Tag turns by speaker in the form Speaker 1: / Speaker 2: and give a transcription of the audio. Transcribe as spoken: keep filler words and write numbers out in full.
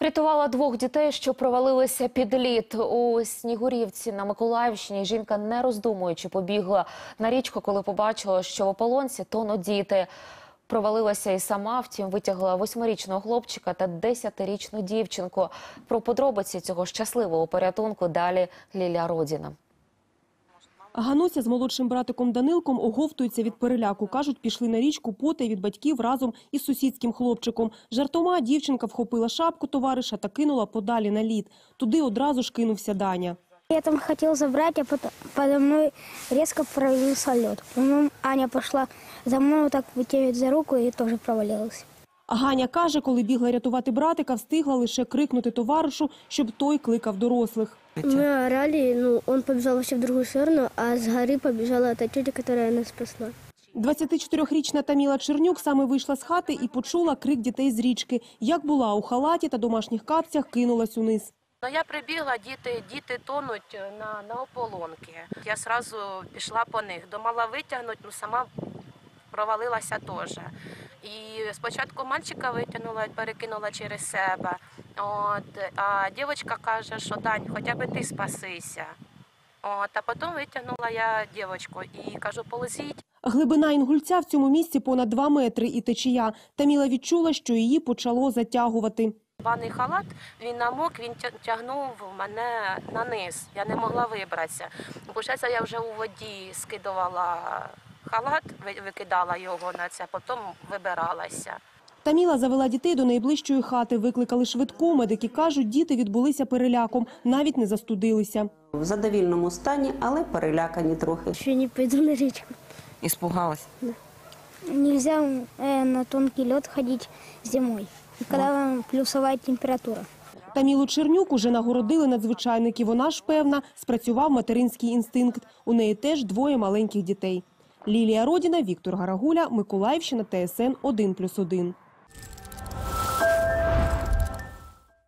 Speaker 1: Рятувала двох дітей, що провалилися під лід. У Снігурівці на Миколаївщині жінка, не роздумуючи, побігла на річку, коли побачила, що в ополонці тонуть діти. Провалилася і сама, втім витягла восьмирічного хлопчика та десятирічну дівчинку. Про подробиці цього щасливого порятунку далі Лілія Родіна.
Speaker 2: Гануся з молодшим братиком Данилком оговтуються від переляку. Кажуть, пішли на річку потай від батьків разом із сусідським хлопчиком. Жартома дівчинка вхопила шапку товариша та кинула подалі на лід. Туди одразу ж кинувся Даня.
Speaker 3: Я там хотел забрать, а потом подо мной резко провалился лед. Потом Аня пошла за мной, вот так вытягивать за руку и тоже провалилась.
Speaker 2: А Ганя каже, коли бігла рятувати братика, встигла лише крикнути товаришу, щоб той кликав дорослих.
Speaker 3: Мы орали, ну, он побежал вообще в другую сторону, а с горы побежала та тетя, которая нас спасла.
Speaker 2: двадцятичотирирічна Таміла Чернюк саме вийшла з хати і почула крик дітей з річки. Як була у халаті та домашніх капцях, кинулась униз.
Speaker 4: Ну, я прибігла, діти, діти тонуть на, на ополонки. Я одразу пішла по них. Думала витягнути, ну сама провалилася теж. І спочатку мальчика витягнула, перекинула через себе. От, а дівчинка каже, що Дань, хоча б ти спасися. От, а потім витягнула я дівчинку і кажу, полезіть.
Speaker 2: Глибина Інгульця в цьому місці понад два метри і течія. Таміла відчула, що її почало затягувати.
Speaker 4: Баний халат, він намок, він тягнув мене на низ. Я не могла вибратися. Получається, я вже у воді скидувала халат, викидала його на це, потім вибиралася.
Speaker 2: Таміла завела дітей до найближчої хати, викликали швидку. Медики кажуть, діти відбулися переляком, навіть не застудилися.
Speaker 5: В задовільному стані, але перелякані трохи.
Speaker 3: Ще не пойду на речку.
Speaker 6: Испугалась?
Speaker 3: Да. Нельзя э, на тонкий лед ходить зимой, когда плюсовая температура.
Speaker 2: Тамілу Чернюк уже нагородили надзвичайники. Вона ж, певна, спрацював материнський інстинкт. У неї теж двоє маленьких дітей. Лілія Родіна, Віктор Гарагуля, Миколаївщина, Т С Н один плюс один.